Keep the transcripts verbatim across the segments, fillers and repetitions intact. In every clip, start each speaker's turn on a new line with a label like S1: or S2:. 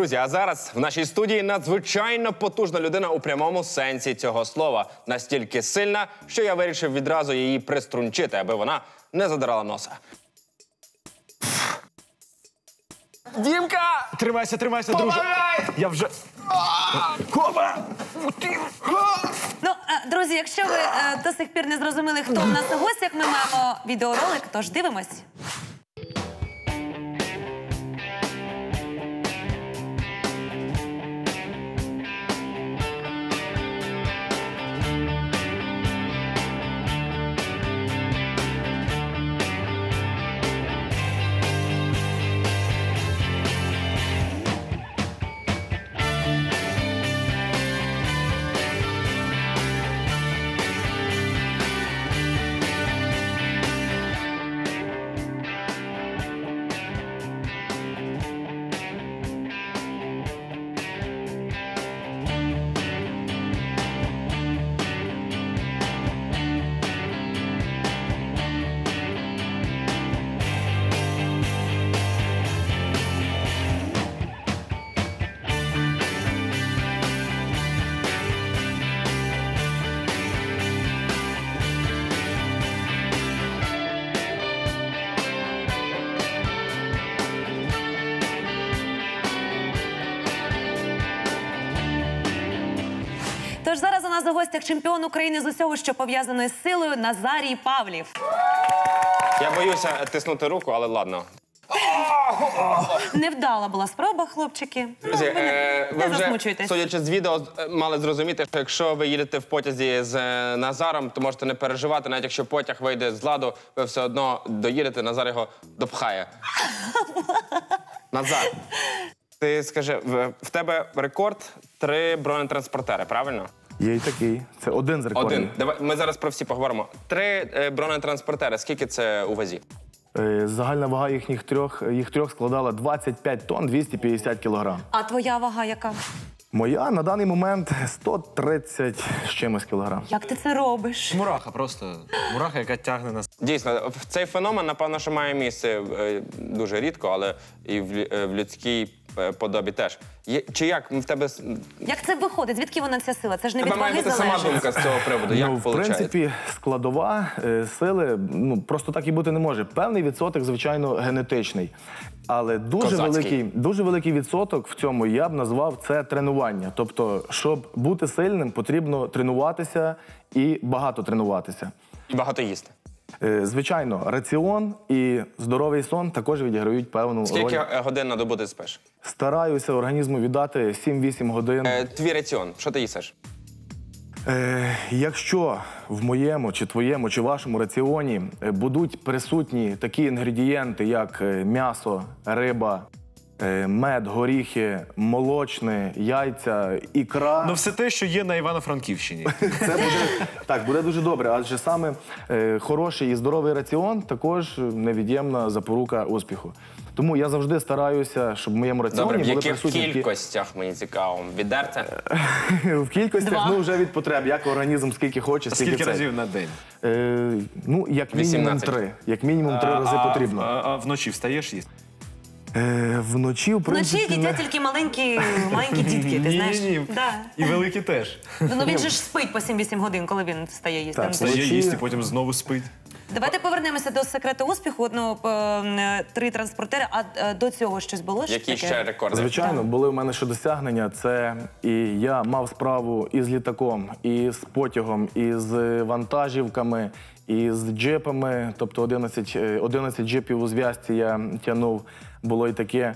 S1: Друзі, а зараз в нашій студії надзвичайно потужна людина у прямому сенсі цього слова. Настільки сильна, що я вирішив відразу її приструнчити, аби вона не задирала носа. Дімка!
S2: Тримайся, тримайся, друже. Я вже... Коба!
S3: Ну, е, друзі, якщо ви е, до сих пір не зрозуміли, хто в нас у гостях, ми маємо відеоролик, тож дивимось. Тож зараз у нас у гостях чемпіон України з усього, що пов'язано із силою, Назарій Павлів.
S1: Я боюся тиснути руку, але ладно.
S3: Невдала була спроба, хлопчики.
S1: Друзі,
S3: Ну, ви не,
S1: е, ви
S3: не
S1: вже,
S3: засмучуйтесь.
S1: судячи з відео, мали зрозуміти, що якщо ви їдете в потязі з е, Назаром, то можете не переживати, навіть якщо потяг вийде з ладу, ви все одно доїдете, Назар його допхає. Назар, ти скажи, в, в тебе рекорд три бронетранспортери, правильно?
S2: Є і такий. Це один з рекордів.
S1: Один. Давай, ми зараз про всі поговоримо. Три е, бронетранспортери, скільки це у вазі?
S2: Е, Загальна вага їхніх трьох, їх трьох складала двадцять п'ять тонн двісті п'ятдесят кілограм.
S3: А твоя вага яка?
S2: Моя на даний момент сто тридцять з чимось кілограм.
S3: Як ти це робиш?
S4: Мураха просто. Мураха, яка тягне нас.
S1: Дійсно, цей феномен, напевно, що має місце е, дуже рідко, але і в, лю- е, в людській е, подобі теж. Є, чи як в тебе с-
S3: Як це виходить? Звідки вона ця сила? Це ж не від
S1: тебе має
S3: ваги
S1: бути сама
S3: залежить.
S1: думка з цього приводу? Як
S2: Ну, в
S1: виходить?
S2: принципі, складова е, сили, ну, просто так і бути не може. Певний відсоток, звичайно, генетичний. Але дуже
S1: Козацький.
S2: великий, дуже великий відсоток в цьому я б назвав це тренування. Тобто, щоб бути сильним, потрібно тренуватися і багато тренуватися.
S1: І багато їсти.
S2: Е, Звичайно, раціон і здоровий сон також відіграють певну
S1: Скільки
S2: роль.
S1: е, годин на добу ти спиш?
S2: Стараюся організму віддати сім-вісім годин.
S1: Е, твій раціон, що ти їсиш?
S2: Е, якщо в моєму, чи твоєму, чи вашому раціоні е, будуть присутні такі інгредієнти, як е, м'ясо, риба, е, мед, горіхи, молочне, яйця, ікра,
S4: Ну все те, що є на Івано-Франківщині.
S2: це буде, так, буде дуже добре. Адже саме е, хороший і здоровий раціон також невід'ємна запорука успіху. Тому я завжди стараюся, щоб в моєму раціоні
S1: Добре, в
S2: були
S1: яких
S2: присутні такі-
S1: кількостях, мені цікаво? Відерце?
S2: в кількостях,
S3: Два.
S2: ну вже від потреб, як організм скільки хоче, стільки
S4: Скільки
S2: це.
S4: разів на день?
S2: Е, ну, як мінімум
S1: вісімнадцять.
S2: три. Як мінімум три рази
S4: А-
S2: потрібно.
S4: А, а вночі встаєш їсти?
S2: Е, вночі, в принципі,
S3: Вночі їдять
S2: не-
S3: тільки маленькі, маленькі дітки, ти знаєш?
S4: Ні-ні-ні.
S3: Да.
S4: І великі теж.
S3: Ну він же ж спить по сім-вісім годин, коли він встає їсти.
S2: Так,
S3: Ну,
S4: Стає
S2: Вночі-
S4: їсти, потім знову спить.
S3: Давайте повернемося до секрету успіху. Ну, е, три транспортери, а е, до цього щось було? ж
S1: Які
S3: таке?
S1: ще рекорди?
S2: Звичайно, були в мене ще досягнення. Це і я мав справу і з літаком, і з потягом, і з вантажівками, і з джипами. Тобто одинадцять, е, одинадцять джипів у зв'язці я тягнув, було і таке.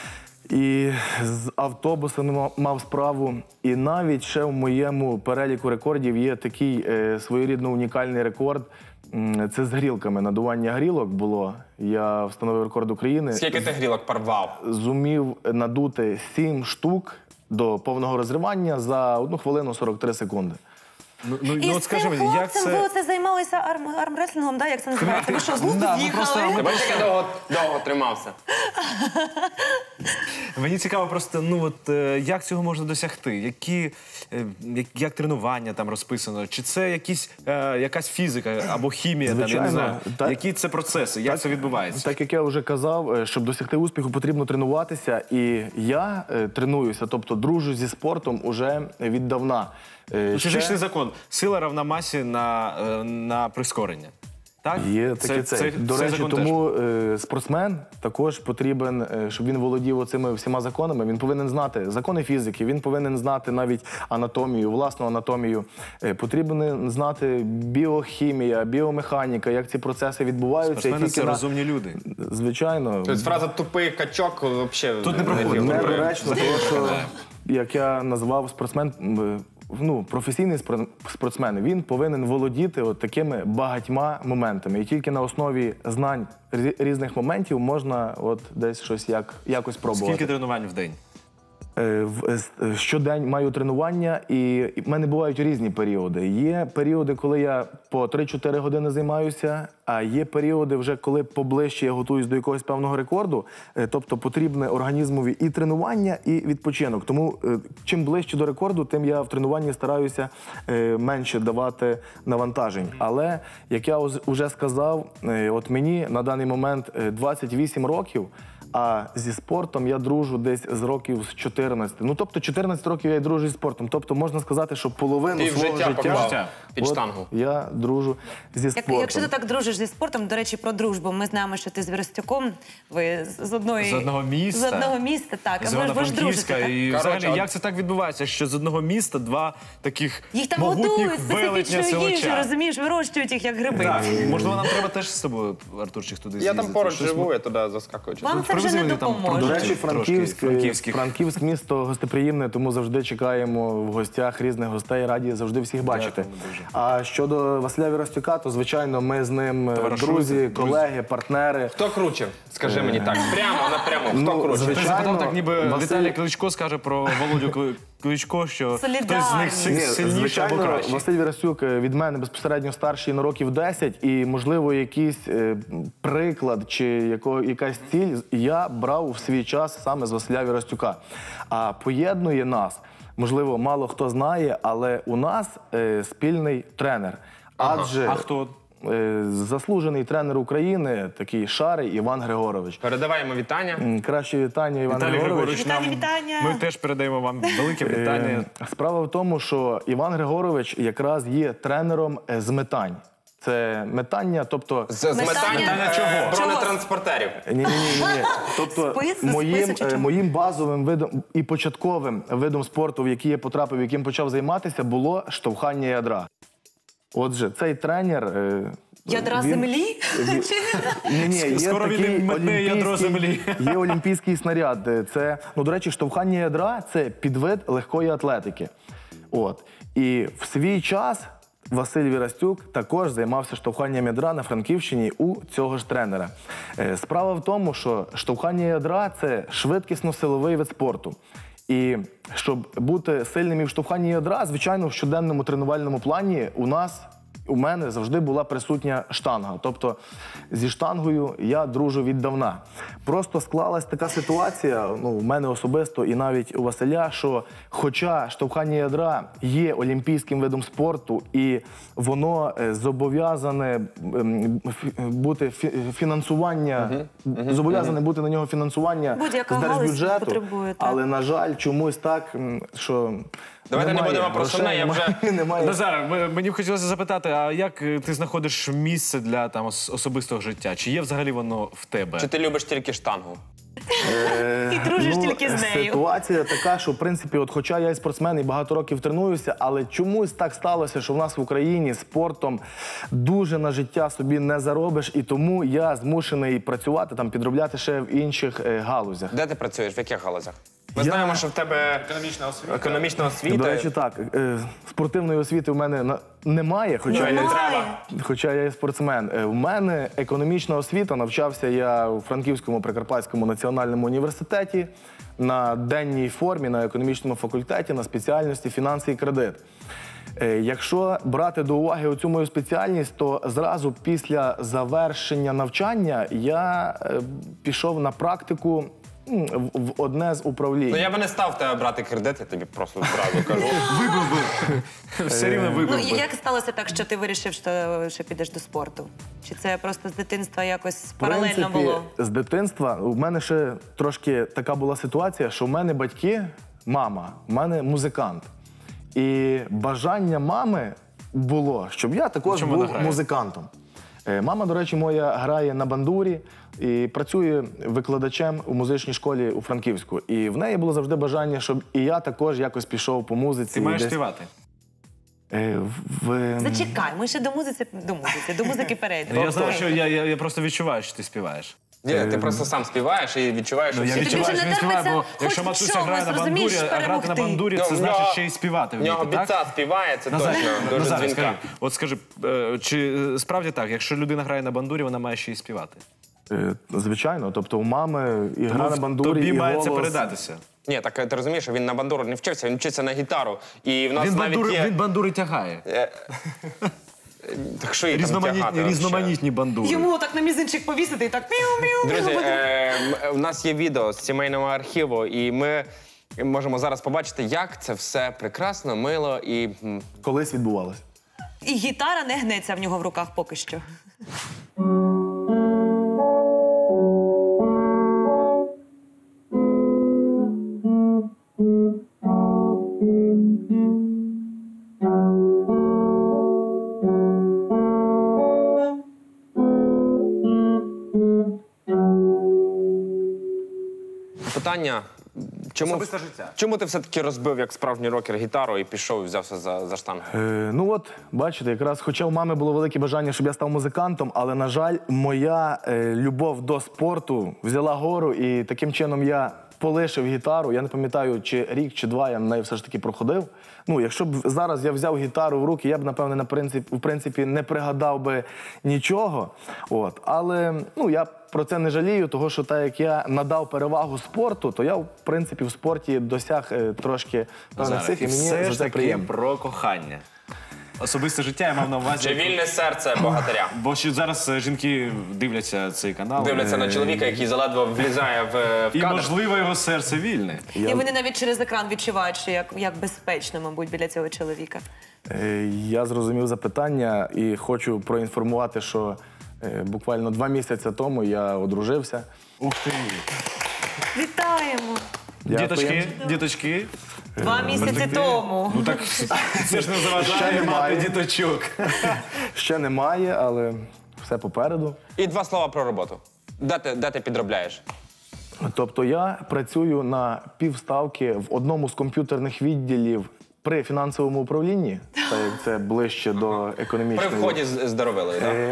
S2: І з автобусами ма- мав справу. І навіть ще в моєму переліку рекордів є такий е, своєрідно унікальний рекорд. М, Це з грілками. Надування грілок було. Я встановив рекорд України.
S1: Скільки ти грілок порвав?
S2: Зумів надути сім штук до повного розривання за одну хвилину сорок три секунди.
S4: Ну, ну,
S3: І
S4: ну
S3: з
S4: от скажи
S3: цим
S4: мені, як
S3: хлопцем ви
S4: це...
S3: оце займалися арм, армреслінгом, да? Як це називається? Ви що, з глузду
S4: Да, ми
S3: з'їхали?
S4: просто-
S1: Ти бачиш, як я довго, довго тримався?
S4: Мені цікаво просто, ну от е, як цього можна досягти? Які, е, як, як тренування там розписано? Чи це якісь, е, якась фізика або хімія? Там, я не
S2: Звичайно,
S4: знаю.
S2: так.
S4: Які це процеси? Як це відбувається?
S2: Так як я вже казав, е, щоб досягти успіху, потрібно тренуватися. І я е, тренуюся, тобто дружу зі спортом уже віддавна. Е,
S4: Фізичний закон. Сила равна масі на, е, на прискорення. Так?
S2: Є таке це. До
S4: цей
S2: речі,
S4: закон
S2: тому е, спортсмен також потрібен, е, щоб він володів оцими всіма законами. Він повинен знати закони фізики, він повинен знати навіть анатомію, власну анатомію. Е, потрібен знати біохімія, біомеханіка, як ці процеси відбуваються.
S4: Спортсмени
S2: Тільки
S4: це
S2: на-
S4: розумні люди.
S2: Звичайно.
S1: Тобто фраза «тупий качок» взагалі
S4: Тут не проходить.
S2: Недоречно, тому що, як я назвав спортсмен, м, ну, професійний спор- спортсмен, він повинен володіти от такими багатьма моментами. І тільки на основі знань рі- різних моментів можна от десь щось як, якось пробувати.
S4: Скільки тренувань в день?
S2: Е, в- е, с- е, Щодень маю тренування, і і в мене бувають різні періоди. Є періоди, коли я по три-чотири години займаюся, а є періоди, вже коли поближче я готуюсь до якогось певного рекорду. Е, Тобто потрібне організмові і тренування, і відпочинок. Тому е, чим ближче до рекорду, тим я в тренуванні стараюся е, менше давати навантажень. Але, як я вже сказав, е, от мені на даний момент е, двадцять вісім років, а зі спортом я дружу десь з років з чотирнадцяти. Ну, тобто чотирнадцять років я і дружу зі спортом. Тобто можна сказати, що половину
S1: Ти в
S2: свого
S1: життя
S2: життя,
S1: поклав під
S2: от
S1: штангу.
S2: я дружу зі
S3: Як,
S2: спортом.
S3: якщо ти так дружиш зі спортом, до речі, про дружбу. Ми знаємо, що ти з Віростюком, ви з з одної...
S4: З одного міста.
S3: З одного міста, так.
S4: З
S3: А ви ж ви ж
S4: Івано-Франківська.
S3: дружите, так?
S4: І
S1: Коротше,
S4: взагалі,
S1: от-
S4: як це так відбувається, що з одного міста два таких
S3: Їх там
S4: могутніх
S3: готують
S4: велетня
S3: специфічну їжу,
S4: селича?
S3: розумієш, вирощують їх як гриби.
S4: Так, можливо, нам треба теж з собою, Артурчик, туди
S1: Я
S4: з'їздити.
S1: там поруч
S4: Щось
S1: живу, я туди заскакую.
S3: Вам це вже
S4: привези
S3: не
S4: мені там
S3: допоможе.
S2: До речі,
S4: Трошки
S2: Франківськ,
S4: франківських.
S2: Франківськ місто гостеприємне, тому завжди чекаємо в гостях різних гостей, раді завжди всіх бачити.
S4: Дякуємо дуже.
S2: А щодо Василя Віростюка, то, звичайно, ми з ним е,
S4: Товаришуєте?
S2: друзі, колеги, партнери.
S1: Хто круче? Скажи мені так. Прямо, напряму. Хто
S2: Ну,
S1: круче?
S4: Ти
S2: звичайно.
S4: запитав так, ніби
S2: Василь-
S4: Віталій Кличко скаже про Володю Кли- Кличко, що хтось з них
S3: Солідарність.
S4: си-
S2: Ні,
S4: сильніший або
S2: звичайно,
S4: кращий.
S2: Василь Вірастюк е, від мене безпосередньо старший на років десять, і, можливо, якийсь е, приклад чи яко, якась ціль я брав в свій час саме з Василя Вірастюка. А поєднує нас, можливо, мало хто знає, але у нас е, спільний тренер. Адже
S4: А хто?
S2: е, заслужений тренер України, такий Шарий Іван Григорович.
S1: Передаваємо вітання.
S2: М, Краще вітання, Іван
S4: Віталій
S2: Григорович.
S4: Григорович,
S3: Вітання,
S4: нам,
S3: вітання.
S4: ми теж передаємо вам велике вітання.
S2: Е, Справа в тому, що Іван Григорович якраз є тренером е, з метань. Це метання, тобто
S1: З, з
S3: Метання?
S1: метання
S3: Чого?
S1: е, бронетранспортерів.
S2: ні, ні, ні, ні. Тобто
S3: Спис?
S2: моїм,
S3: Спису чи
S2: е,
S3: чого?
S2: моїм базовим видом і початковим видом спорту, в який я потрапив, яким почав займатися, було штовхання ядра. Отже, цей тренер. е,
S3: Ядра
S2: він-
S3: землі?
S2: він- Ні, ні, є
S4: Скоро він
S2: такий
S4: метне ядро
S2: олімпійський-
S4: землі.
S2: Є олімпійський снаряд. Це, ну, до речі, штовхання ядра – це підвид легкої атлетики. От. І в свій час Василь Вірастюк також займався штовханням ядра на Франківщині у цього ж тренера. Е, Справа в тому, що штовхання ядра – це швидкісно-силовий вид спорту. І щоб бути сильним і в штовханні ядра, звичайно, в щоденному тренувальному плані у нас, у мене завжди була присутня штанга. Тобто зі штангою я дружу віддавна. Просто склалась така ситуація, ну, у мене особисто і навіть у Василя, що хоча штовхання ядра є олімпійським видом спорту і воно е, зобов'язане ем, фі- бути фі- фінансування, зобов'язане бути на нього фінансування
S3: Будь-яка
S2: з
S3: галузь
S2: держбюджету,
S3: потребує, так.
S2: але, на жаль, чомусь так, м, що
S1: Давайте не
S2: немає
S1: будемо про сумне, я
S2: грошей,
S1: вже-
S2: немає.
S4: Назар, м- мені б хотілося запитати, а як е, ти знаходиш місце для там ос- особистого життя? Чи є взагалі воно в тебе?
S1: Чи ти любиш тільки штангу?
S3: І дружиш тільки з нею.
S2: Ситуація така, що в принципі, от хоча я і спортсмен і багато років тренуюся, але чомусь так сталося, що в нас в Україні спортом дуже на життя собі не заробиш, і тому я змушений працювати там, підробляти ще в інших е, галузях.
S1: Де ти працюєш? В яких галузях? Ми
S2: Я-
S1: знаємо, що в тебе економічна освіта. Економічна освіта.
S2: До речі, так, е, спортивної освіти в мене на- немає, хоча я,
S3: Немає.
S2: хоча я і спортсмен. Е, В мене економічна освіта, навчався я у Франківському Прикарпатському національному університеті на денній формі, на економічному факультеті, на спеціальності фінанси і кредит. Е, Якщо брати до уваги оцю мою спеціальність, то зразу після завершення навчання я е, пішов на практику м, в, в одне з управлінь.
S1: Ну я би не став в тебе брати кредит, я тобі просто одразу кажу.
S4: Вибив би. Все рівно
S3: Ну,
S4: вибив
S3: і
S4: би.
S3: як сталося так, що ти вирішив, що, що підеш до спорту? Чи це просто з дитинства якось паралельно
S2: В
S3: було?
S2: принципі, з дитинства у мене ще трошки така була ситуація, що в мене батьки, мама, в мене музикант. І бажання мами було, щоб я також
S4: чому вона
S2: був
S4: грає?
S2: музикантом. Е, Мама, до речі, моя грає на бандурі і працює викладачем у музичній школі у Франківську. І в неї було завжди бажання, щоб і я також якось пішов по музиці.
S4: Ти маєш
S2: десь,
S4: співати.
S2: е, в-
S3: Зачекай, ми ще до музики, до музики, до музики перейдемо.
S4: Я знаю, що я, я, я просто відчуваю, що ти співаєш.
S1: Ні, ти просто сам співаєш і відчуваєш, що
S4: Ну, я
S1: всі...
S3: тобі
S4: відчуваю,
S3: вже
S4: що
S3: не
S4: він співає, бо
S3: терпиться
S4: якщо
S3: хоч в
S4: матуся
S3: чомусь,
S4: грає на бандурі,
S3: розумієш,
S4: а грати на
S3: перемогти.
S4: бандурі,
S1: Ну,
S4: це
S1: в
S4: значить
S1: нього-
S4: ще й співати
S1: В нього
S4: вміти, так?
S1: біца співає, це
S4: Назар,
S1: точно дуже
S4: Назар,
S1: дзвінка.
S4: скажи, от скажи, е, чи е, справді так, якщо людина грає на бандурі, вона має ще й співати?
S2: е, Звичайно, тобто у мами і гра на бандурі,
S4: Тобі
S2: і
S4: має
S2: голос.
S4: це передатися.
S1: Ні, так ти розумієш, що він на бандуру не вчився, він вчиться на гітару. І в нас
S4: Він
S1: навіть
S4: бандури,
S1: є...
S4: він бандури тягає.
S1: Так що її там
S4: Різноманітні,
S1: тягати вообще?
S4: різноманітні бандури.
S3: Йому так на мізинчик повісити і так міу-міу.
S1: Друзі, е, м- в нас є відео з сімейного архіву, і ми можемо зараз побачити, як це все прекрасно, мило і... м,
S2: Колись відбувалося.
S3: І гітара не гнеться в нього в руках поки що.
S1: Питання, чому,
S4: Особисте життя.
S1: чому ти все-таки розбив як справжній рокер гітару і пішов і взявся за, за штангу?
S2: Е, ну от, бачите, якраз хоча у мами було велике бажання, щоб я став музикантом, але, на жаль, моя е, любов до спорту взяла гору, і таким чином я полишив гітару. Я не пам'ятаю, чи рік, чи два я на неї все ж таки проходив. Ну, якщо б зараз я взяв гітару в руки, я б, напевне, на принцип, в принципі, не пригадав би нічого. От. Але ну, я про це не жалію, тому що так як я надав перевагу спорту, то я, в принципі, в спорті досяг е, трошки певних
S4: Назар,
S2: цифр,
S4: і
S2: і мені
S4: все
S2: за
S4: ж
S2: це
S4: таки
S2: приємно.
S4: про кохання. Особисте життя я мав на увазі.
S1: Чи вільне серце богатиря?
S4: Бо що зараз е, жінки дивляться цей канал.
S1: Дивляться на чоловіка, який заледве влізає в, в
S4: І,
S1: кадр.
S4: можливо, його серце вільне.
S3: І вони навіть через екран відчувають, що як, як безпечно, мабуть, біля цього чоловіка.
S2: Е, Я зрозумів запитання і хочу проінформувати, що е, буквально два місяці тому я одружився.
S4: Ух ти.
S3: Вітаємо!
S2: Дякую.
S4: Діточки, діточки.
S3: Два місяці тому.
S4: Ну так це ж не заважає
S2: Ще
S4: мати
S2: немає.
S4: діточок.
S2: Ще немає, але все попереду.
S1: І два слова про роботу. Де ти, де ти підробляєш?
S2: Тобто я працюю на півставки в одному з комп'ютерних відділів при фінансовому управлінні, так як це ближче до
S1: При
S2: економічної.
S1: вході з, з Доровилою, так?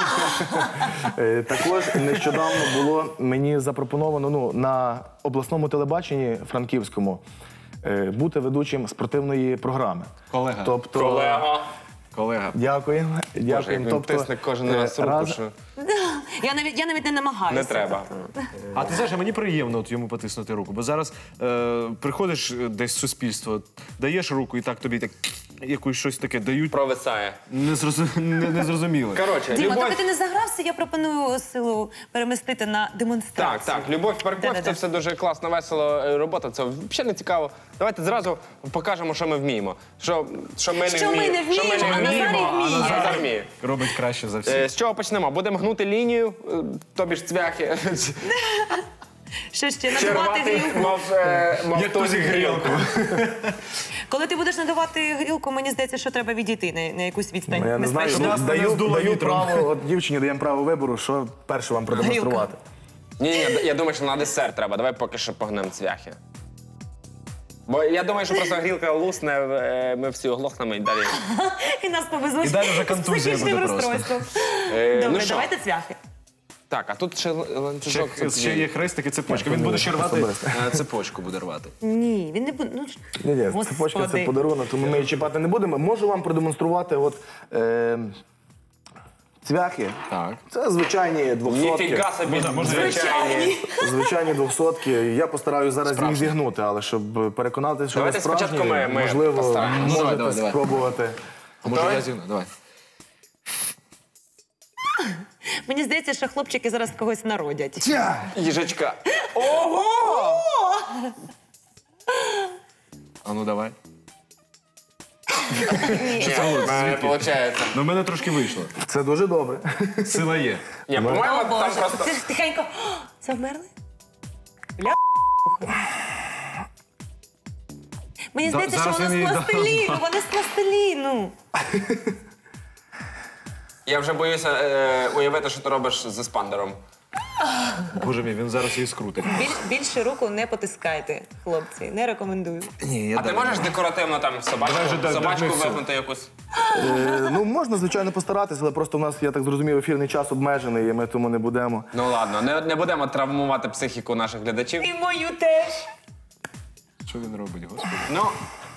S2: Е, Також нещодавно було мені запропоновано ну, на обласному телебаченні франківському е, бути ведучим спортивної програми.
S4: Колега.
S2: Тобто,
S1: Колега.
S4: Колега.
S2: Дякуємо.
S1: Боже,
S2: Дякуємо.
S1: як він
S2: Тобто,
S1: тисне кожен
S2: е,
S1: раз руку,
S2: раз-
S1: що
S3: Я навіть, я навіть не намагаюся.
S1: не треба.
S4: А ти знаєш, а мені приємно от йому потиснути руку, бо зараз е, приходиш десь в суспільство, даєш руку і так тобі так якусь щось таке дають.
S1: Провисає.
S4: Незрозу- не- Незрозуміле.
S1: Коротше,
S3: Діма,
S1: любов...
S3: доки ти не загрався, я пропоную силу перемістити на
S1: Так,
S3: демонстрацію.
S1: так, любов парков,
S3: Да-да-да.
S1: це все дуже класна, весело е, робота. Це взагалі не цікаво. Давайте зразу покажемо, що ми вміємо. Що, що ми не
S3: Що ми
S1: вміємо.
S3: не вміємо, а Назарій вміє.
S1: Назар вміє.
S4: Робить краще за всіх.
S1: Е, З чого почнемо? Будемо гнути лінію, е, тобі ж цвяхи.
S3: Що ще? Надавати
S1: Червати,
S3: грілку.
S1: мав, е, мав
S4: Як
S1: тузик
S4: тузик
S1: грілку.
S3: Коли ти будеш надавати грілку, мені здається, що треба відійти на, на якусь відстань.
S2: Ну, я не знаю,
S3: безпечну.
S4: нас не
S2: даю,
S4: здуло
S2: даю
S4: вітром.
S2: право, от дівчині даємо право вибору, що перше вам продемонструвати.
S1: Ні, ні, я думаю, що на десерт треба. Давай поки що погнемо цвяхи. Бо я думаю, що просто грілка лусне, е, ми всі оглохнемо і далі.
S3: І нас повезуть
S4: І далі вже
S3: з
S4: контузія
S3: психічним
S4: буде просто.
S3: розстройством.
S1: Е,
S3: Добре,
S1: ну що?
S3: давайте цвяхи.
S1: Так, а тут ще л- ланцюжок.
S4: Ще,
S1: це
S4: ще є хрестик і цепочка. Він буде ще рвати,
S2: Особисто.
S4: е, цепочку буде рвати.
S3: Ні, він не буде. Ну, ж-
S2: Ні, ні,
S3: Господи.
S2: цепочка це подарунок, тому ми її чіпати не будемо. Можу вам продемонструвати от, е, цвяхи.
S4: Так.
S2: Це звичайні двохсотки.
S1: Ніфіга собі, звичайні.
S2: Звичайні двохсотки. Я постараюсь зараз їх зігнути, але щоб переконатися, що
S1: Давайте
S2: ви справжні,
S1: спочатку ми- ми
S2: можливо,
S1: постараємось.
S2: можете
S4: Давай, давай, давай.
S2: спробувати.
S4: А може
S1: Давай.
S4: я зігну? Давай.
S3: Мені здається, що хлопчики зараз когось народять.
S1: Їжачка. Ого!
S4: А ну давай.
S1: Ні, в мене виходить.
S4: Ну, в мене трошки вийшло.
S2: Це дуже добре.
S4: Сила є.
S1: Ні,
S3: О,
S1: по-моєму, там
S3: Боже,
S1: просто...
S3: ти ж тихенько. О, завмерли? Ля. Мені
S4: Да,
S3: здається, що
S4: зараз
S3: воно
S4: він
S3: з
S4: їй
S3: пластиліну, воно з пластиліну.
S1: Я вже боюся е, уявити, що ти робиш з еспандером.
S4: Боже мій, він зараз її скрутить.
S3: Біль, більше руку не потискайте, хлопці, не рекомендую.
S4: Ні, я
S1: А ти можеш декоративно там собачку,
S4: Давай вже до-
S1: собачку
S4: до- до-
S1: вигнути якусь?
S2: Е, ну, можна, звичайно, постаратися, але просто в нас, я так зрозумів, ефірний час обмежений, і ми тому не будемо.
S1: Ну ладно, не, не будемо травмувати психіку наших глядачів.
S3: І мою теж.
S4: Що він робить, господи?
S1: Ну,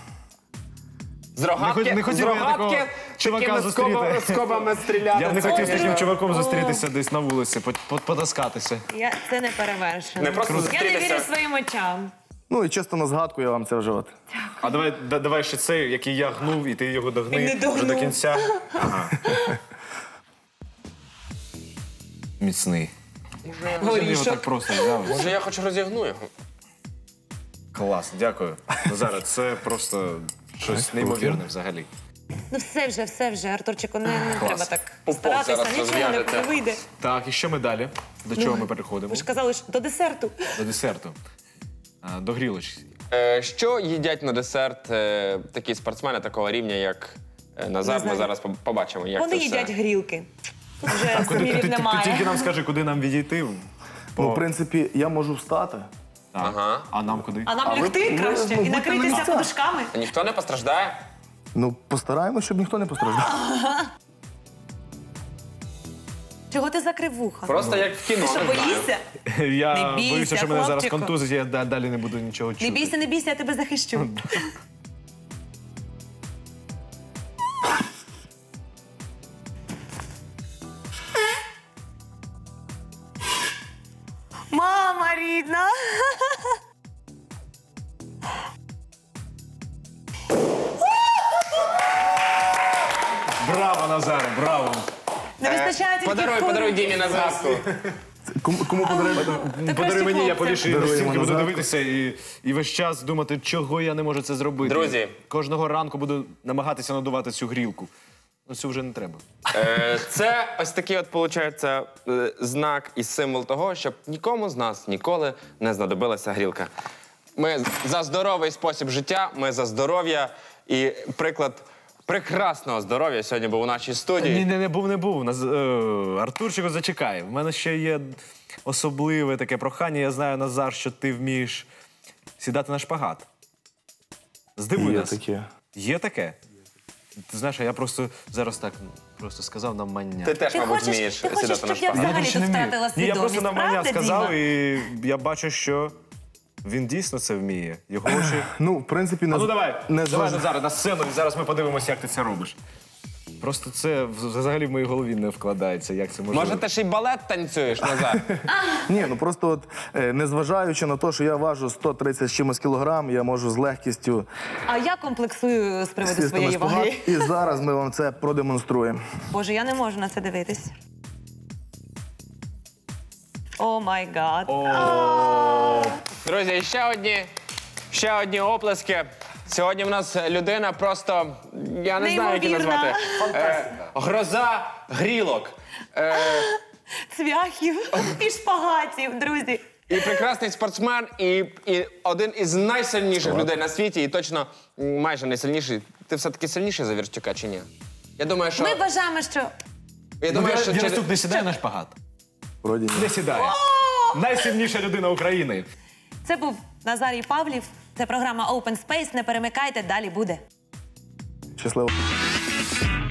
S1: з рогатки,
S4: Не хот- не хотів
S1: з
S4: я
S1: рогатки
S4: такого чувака
S1: такими
S4: зустріти.
S1: скоба- скобами стріляти.
S4: Я б не
S1: Це-
S4: хотів з таким чуваком зустрітися десь на вулиці, по- по- потаскатися.
S3: Я, це не перевершено.
S1: Не просто
S3: Я не
S1: зустрітися.
S3: вірю своїм очам.
S2: Ну і чисто на згадку я вам це вже от.
S4: А давай, да- давай ще цей, який я гнув, і ти його
S3: Він
S4: догни
S3: не догнув.
S4: вже до кінця. Ага. Міцний. Він його так просто взяв.
S1: Може, я хоч розігну його?
S4: Клас, дякую. Назаре, це просто щось неймовірне взагалі.
S3: Ну все вже, все вже, Артурчику, не, не треба так
S1: Пупок
S3: старатися,
S1: зараз
S3: нічого не,
S1: розв'яжете.
S3: не вийде.
S4: Так, і що ми далі? До чого ми переходимо?
S3: Ви ж казали, що до десерту.
S4: До десерту. А, До грілочки.
S1: Е, що їдять на десерт е, такі спортсмени такого рівня, як е, Назар?
S3: Не
S1: Ми
S3: знаю.
S1: зараз по- побачимо, як
S3: Вони
S1: це
S3: їдять
S1: все.
S3: грілки. Тут вже
S4: Куди, ти,
S3: сумнівів
S4: ти, ти,
S3: немає.
S4: тільки нам скажи, куди нам відійти.
S2: Ну, в принципі, я можу встати.
S4: Так.
S1: Ага.
S4: А нам куди?
S3: А нам
S2: ви-
S3: лягти
S2: ви-
S3: краще
S2: ви
S3: і
S2: будьте на
S3: накритися
S2: місцях.
S3: подушками.
S1: А ніхто не постраждає?
S2: Ну, постараємось, щоб ніхто не постраждав.
S3: Чого ти закрив вуха?
S1: Просто як в кіно.
S3: Ти що,
S1: не знаю.
S3: боїшся?
S4: Я
S3: Не бійся,
S4: боюся, що мене зараз
S3: хлопчику.
S4: контузить, я да- далі не буду нічого чути.
S3: Не бійся, не бійся, я тебе захищу. Мама рідна.
S4: Браво, Назаре, браво!
S3: Не вистачає тільки
S1: Подаруй,
S3: входу.
S1: подаруй Дімі на згадку.
S2: Кому, кому подаруємо?
S3: Та
S4: Подаруй
S3: краще
S4: мені, я
S3: хлопцям.
S4: повішу її на
S2: Даруємо
S4: стінки, буду
S2: назад.
S4: дивитися і, і весь час думати, чого я не можу це зробити.
S1: Друзі.
S4: Кожного ранку буду намагатися надувати цю грілку. Ну, цю вже не треба.
S1: Е, Це ось такий от, виходить, е, знак і символ того, щоб нікому з нас ніколи не знадобилася грілка. Ми за здоровий спосіб життя, ми за здоров'я і приклад прекрасного здоров'я сьогодні був у нашій студії.
S4: Ні, не, не був, не був. Наз... е, Артурчику, зачекай. В мене ще є особливе таке прохання. Я знаю, Назар, що ти вмієш сідати на шпагат. Здивуй
S2: Є
S4: нас.
S2: таке.
S4: Є таке? Ти знаєш, а я просто зараз так просто сказав нам мання.
S1: Ти теж,
S3: Ти
S1: мабуть,
S3: хочеш-
S1: вмієш
S3: ти хочеш,
S1: сідати на
S3: щоб я
S1: шпагат.
S3: взагалі
S4: більше
S3: тут
S4: не вмію.
S3: втратила
S4: Ні, я просто
S3: свідомість,
S4: нам мання
S3: правда,
S4: сказав,
S3: Діма?
S4: і я бачу, що він дійсно це вміє. Його очі.
S2: Ну, в принципі, не,
S4: А ну давай,
S2: не
S4: давай
S2: зваж-
S4: Назаре, на сцену, і зараз ми подивимося, як ти це робиш. Просто це взагалі в моїй голові не вкладається, як це можливо.
S1: Може, ти ще й балет танцюєш, Назар?
S2: Ні, ну просто от, е, незважаючи на те, що я важу сто тридцять з чимось кілограм, я можу з легкістю
S3: А я комплексую з приводу
S2: сісти на
S3: своєї
S2: шпагат.
S3: ваги.
S2: І зараз ми вам це продемонструємо.
S3: Боже, я не можу на це дивитись. О май гад.
S1: Друзі, і ще одні, ще одні оплески. Сьогодні в нас людина просто, я не знаю, як її
S3: Неймовірна.
S1: назвати. Е, гроза грілок. Е,
S3: Цвяхів і шпагатів, друзі.
S1: і прекрасний спортсмен, і, і один із найсильніших людей на світі, і точно м, майже найсильніший. Ти все-таки сильніший за Вірчука чи ні? Я думаю, що...
S3: Ми вважаємо, що
S1: Я думаю, що через...
S4: Вірастук не сідає на шпагат?
S2: Вроді ні.
S4: Не сідає. Найсильніша людина України.
S3: це був Назарій Павлів. Це програма Open Space. Не перемикайте, далі буде.
S2: Щасливо.